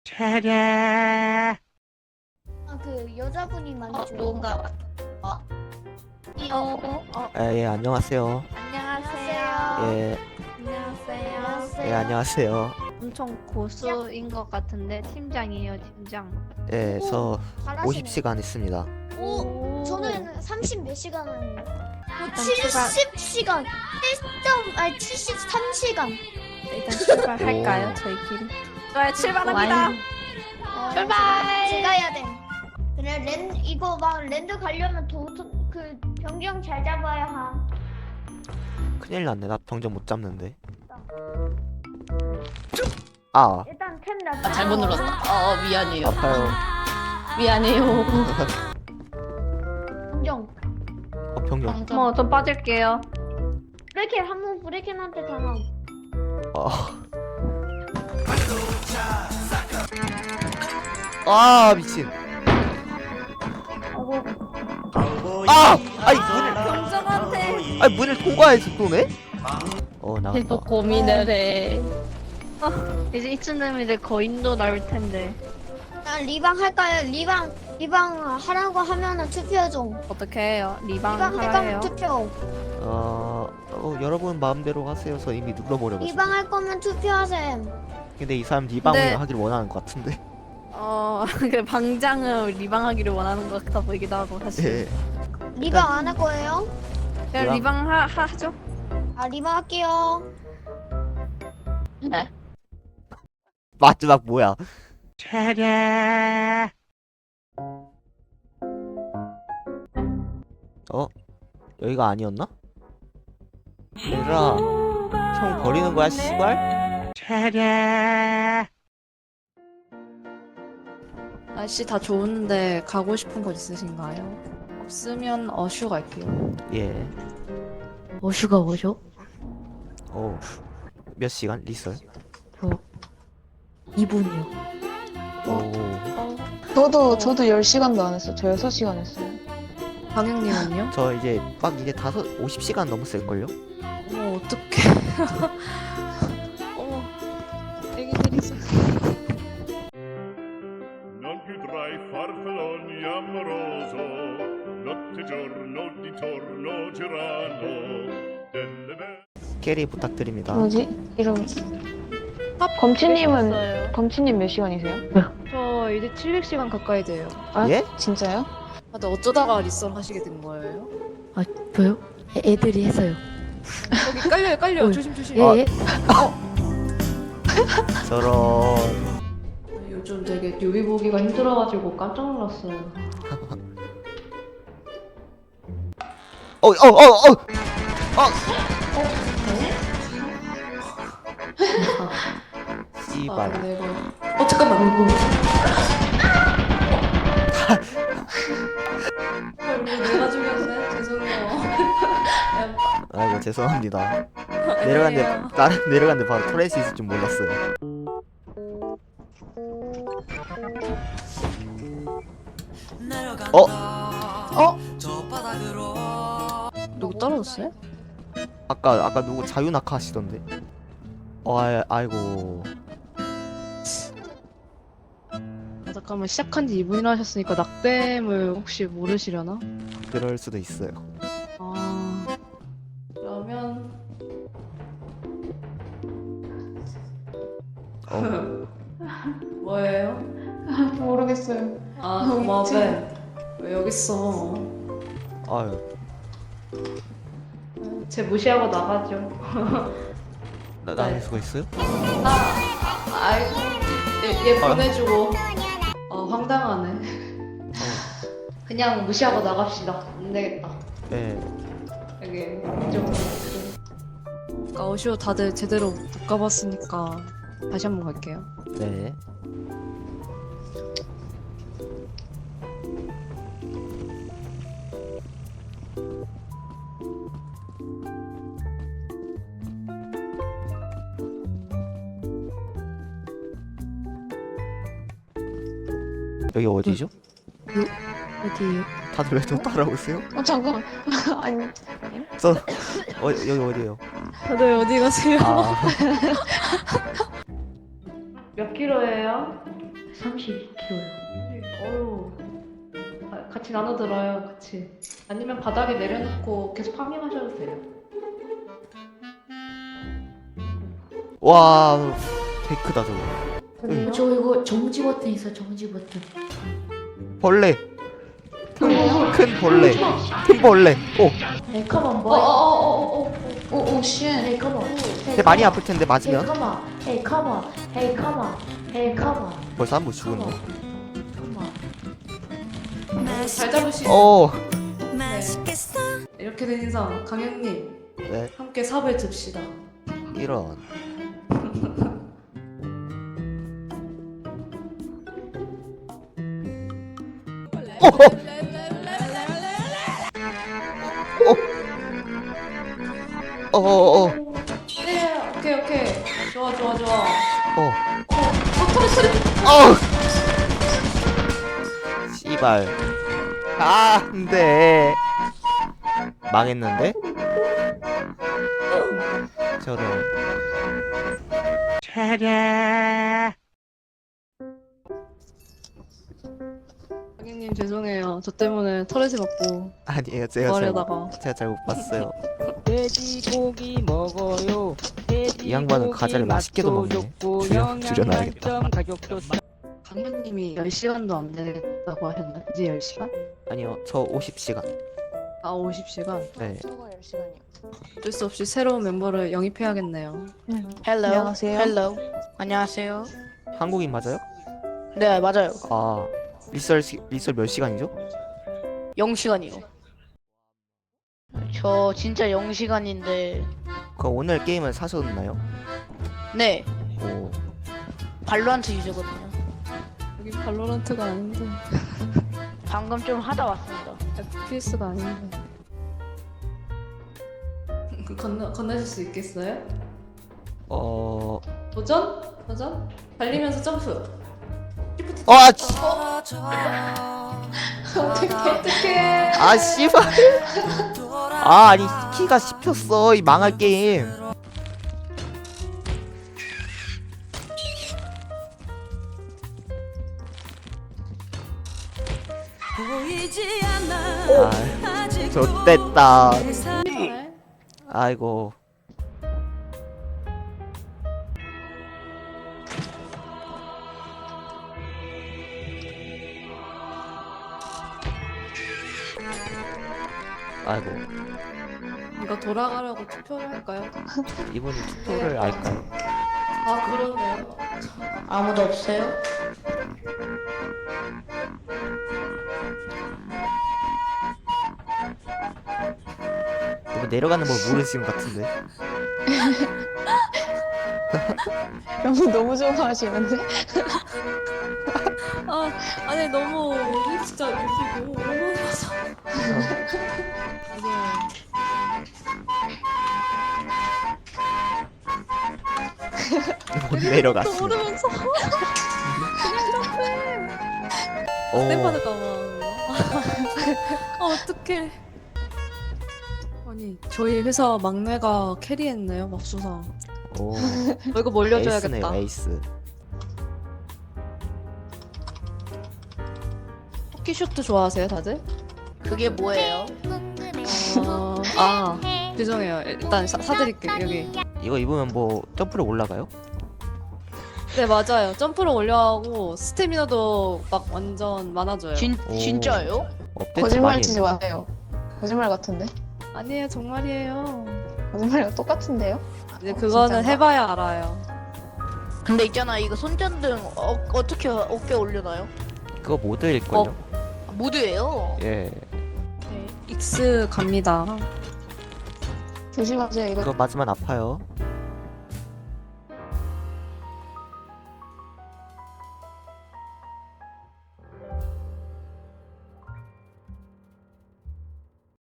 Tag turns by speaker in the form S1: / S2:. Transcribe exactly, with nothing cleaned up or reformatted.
S1: 차례.
S2: 아, 그 여자분이
S3: 어,
S2: 만져요.
S3: 누군가 왔- 어?
S2: 어,
S3: 어? 어?
S1: 아, 예, 안녕하세요.
S2: 안녕하세요.
S1: 예,
S3: 안녕하세요.
S2: 안녕하세요.
S1: 예, 안녕하세요.
S3: 엄청 고수인 것 같은데 팀장이에요, 팀장.
S1: 예, 저
S2: 잘하시네.
S1: 오십 시간 했습니다.
S2: 오, 저는 삼십 몇 시간은
S3: 일단
S2: 칠십 시간. 칠 점 아니 칠십삼 시간.
S3: 일단 출발할까요,
S1: 오.
S3: 저희끼리? 좋아요, 출발합니다.
S2: 어,
S3: 출발!
S2: 제가 해야 돼. 그래 랜 이거 막 랜드 가려면 도그 변경 잘 잡아야 함.
S1: 큰일 났네. 나 병정 못 잡는데. 아,
S2: 일단 템 나.
S3: 아, 잘못 눌렀어. 어, 어, 미안해요.
S1: 아파요.
S3: 미안해요.
S2: 변경.
S1: 어, 병정.
S3: 어머, 좀 빠질게요.
S2: 브레이켄 한번 브레이켄한테 당함.
S1: 어. 아, 미친. 아, 아이 문을,
S3: 병정한테
S1: 아이 문을 통과해서 또네? 어, 나갔다.
S3: 계속 고민을 해. 어, 이제 이쯤 되면 이제 거인도 나올 텐데.
S2: 아, 리방 할까요? 리방 리방 하라고 하면은 투표 좀.
S3: 어떻게 해요? 리방
S2: 리방
S3: 하라 해요?
S2: 할거면 투표.
S1: 어, 어, 여러분 마음대로 하세요. 저 이미 눌러버려가지고.
S2: 리방 할 거면 투표하셈.
S1: 근데 이 사람 리방을
S3: 근데-
S1: 하길 원하는 것 같은데.
S3: 어, 그 방장을 리방하기를 원하는 것 같아 보이기도 하고 사실.
S1: 예.
S2: 리방 안 할 거예요?
S3: 그냥 리방 하, 하, 하죠.
S2: 아 리방 할게요.
S3: 네.
S1: 마지막 뭐야? 차례. 어? 여기가 아니었나? 얘들아, 총 버리는 거야, 씨발? 차례.
S4: 날씨 다 좋은데 가고 싶은 곳 있으신가요? 없으면 어슈 갈게요.
S1: 예.
S4: 어슈가 뭐죠?
S1: 어. 몇 시간? 리설?
S4: 이 분이요.
S1: 오.
S5: 저도 저도 열 시간도 안 했어요. 저 여섯 시간 했어요.
S4: 방영님은요?
S1: 저 이제 막 이제 다섯, 오십 시간 넘었을걸요?
S4: 어머 어떡해. 어머 애기들이 있어.
S6: Non più tra i farfalloni amoroso, notte e giorno di torno girano, delle belle.
S1: 캐리 부탁드립니다.
S5: 뭐지? 이름 검치님은
S3: 있어요.
S5: 검치님 몇 시간이세요?
S4: 저 이제 칠백 시간 가까이 돼요.
S5: 아
S1: 예?
S5: 진짜요?
S4: 아, 근데 어쩌다가 리썰 하시게 된 거예요?
S7: 아, 저요? 애- 애들이 해서요.
S4: 여기 깔려요 깔려.
S7: 어.
S4: 조심 조심.
S7: 예,
S1: 아.
S7: 예.
S1: 저런.
S4: 요즘 되게 뮤비 보기가 힘들어가지고 깜짝 놀랐어요.
S1: 어, 어, 어, 어! 어!
S4: 아
S1: 씨발.
S4: 근데 이거 어 잠깐만. 아, 이거 내가 죽였네. 죄송해요.
S1: 아이고, 죄송합니다. 내려갔는데, 나는 내려갔는데 바로 토레스 있을 줄 몰랐어요. 어?
S5: 어?
S4: 누구 떨어졌어요?
S1: 아까, 아까 누구 자유낙하 하시던데? 어, 아, 아이고.
S4: 아, 잠깐만 시작한 지 이 분이나 하셨으니까 낙뎀을 혹시 모르시려나?
S1: 그럴 수도 있어요.
S4: 아 그러면
S1: 어,
S4: 뭐예요?
S5: 모르겠어요.
S4: 아 고마워. 왜 여기 있어?
S1: 아유.
S4: 쟤 무시하고 나가죠.
S1: 나, 나갈 수가 있어요?
S4: 아이고 얘, 얘
S1: 아.
S4: 보내주고. 어 황당하네. 그냥 무시하고 나갑시다. 안 되겠다.
S1: 네.
S4: 여기 좀. 아까 어쇼 다들 제대로 못 가봤으니까 다시 한번 갈게요.
S1: 네. 여기 어디죠?
S7: 어디에요?
S1: 다들 왜 저 따라오세요?
S5: 어 잠깐. 아니
S1: 저 어, 여기 어디예요?
S4: 다들 어디 가세요?
S1: 아,
S4: 몇 킬로예요?
S7: 삼십이 킬로그램요.
S4: 어유. 아, 같이 나눠 들어요. 같이. 아니면 바닥에 내려놓고 계속 파밍하셔도 돼요.
S1: 와, 개 크다 저거.
S7: 어, 저 이거 정지 버튼 있어, 정지 버튼.
S1: 벌레. 큰 벌레. 큰 벌레. 오,
S7: Hey, come on,
S4: 어,
S7: boy.
S4: 어, 어, 어, 어.
S5: 오오 쉣.
S7: Hey, come on.
S1: 근데 많이 아플 텐데
S7: Hey,
S1: 맞으면.
S7: come on. Hey, come on. Hey, come on. Hey, come on.
S1: 벌써 한 번
S7: Come
S1: 죽었네.
S7: on. Come on.
S4: 잘 잡으시네.
S1: 오,
S4: 이렇게 된 이상 강현님
S1: 네,
S4: 함께 삽을 줍시다.
S1: 이런. 어, 어, 어, 어,
S4: 네, 오케이 오케이. 좋아 좋아 좋아.
S1: 어,
S4: 어, 토레스를.
S1: 어. 씨발. 아, 안돼. 망했는데? 저런.
S4: 강현님 죄송해요. 저 때문에 터렛을 받고
S1: 아니에요, 제가 잘,
S4: 구하려다가.
S1: 제가 잘 못 봤어요.
S8: 돼지고기 먹어요.
S1: 이 양반은 과자를 맛있게도 먹네. 줄여- 줄여놔야겠다.
S8: 가격도 싸.
S3: 강현님이 열 시간도 안 되겠다고 하셨나요? 이제 열 시간?
S1: 아니요, 저 오십 시간.
S4: 아 오십 시간.
S1: 네.
S4: 어쩔 수 없이 새로운 멤버를 영입해야겠네요.
S9: 헬로.
S5: 안녕하세요.
S9: 헬로. 안녕하세요.
S1: 한국인 맞아요?
S9: 네, 맞아요.
S1: 아, 리썰 시, 리썰 몇 시간이죠?
S9: 영 시간이요. 저 진짜 영 시간인데.
S1: 그럼 오늘 게임은 사셨나요?
S9: 네,
S1: 오,
S9: 발로란트 유저거든요.
S4: 여기 발로란트가 아닌데
S9: 방금 좀 하다 왔습니다.
S4: 에프피에스가 아닌데. 그 건너 건너실 수 있겠어요?
S1: 어,
S4: 도전? 도전? 달리면서 점프.
S1: 어, 아, 씨,
S4: 어떡해 어떡해.
S1: 아, 씨발. 아, 아니 키가 씹혔어 이 망할 게임. 아, 좋됐다. 아이고. 아이고,
S4: 이거 돌아가려고 투표를 할까요?
S1: 이분이 투표를 알까요?
S4: 아 그러네요.
S9: 아무도 없어요?
S1: 이분 내려가는 걸 모르시는 것 같은데.
S5: 너무 너무 좋아하시는데?
S4: 아 아니 너무 우리 진짜 이거 오버해서 이게
S1: 못 내려갔어.
S4: 모르면서
S1: 오,
S4: 땜 받을까봐. 아 어떡해. 아니 저희 회사 막내가 캐리했네요 맙소사.
S1: 오,
S4: 어, 이거 몰려줘야겠다.
S1: 에이스네요, 에이스.
S4: 호키쇼트 좋아하세요 다들?
S9: 그게 뭐예요?
S4: 어... 아 죄송해요. 일단 사, 사드릴게요 여기.
S1: 이거 입으면 뭐 점프로 올라가요?
S4: 네 맞아요. 점프를 올려하고 스태미나도 막 완전 많아져요.
S9: 진
S1: 오.
S9: 진짜예요?
S1: 업데이트
S5: 거짓말
S1: 많이
S5: 치지 마세요. 거짓말 같은데?
S4: 아니에요 정말이에요.
S5: 거짓말이랑 똑같은데요?
S4: 이제
S5: 어,
S4: 그거는
S5: 진짠가?
S4: 해봐야 알아요.
S9: 근데 있잖아, 이거 손전등 어, 어떻게 어깨 올려놔요?
S1: 그거 모드일걸요?
S4: 어.
S9: 모드예요.
S1: 예,
S4: 네, 익스 갑니다.
S5: 조심하세요. 이거
S1: 그거 맞으면 아파요.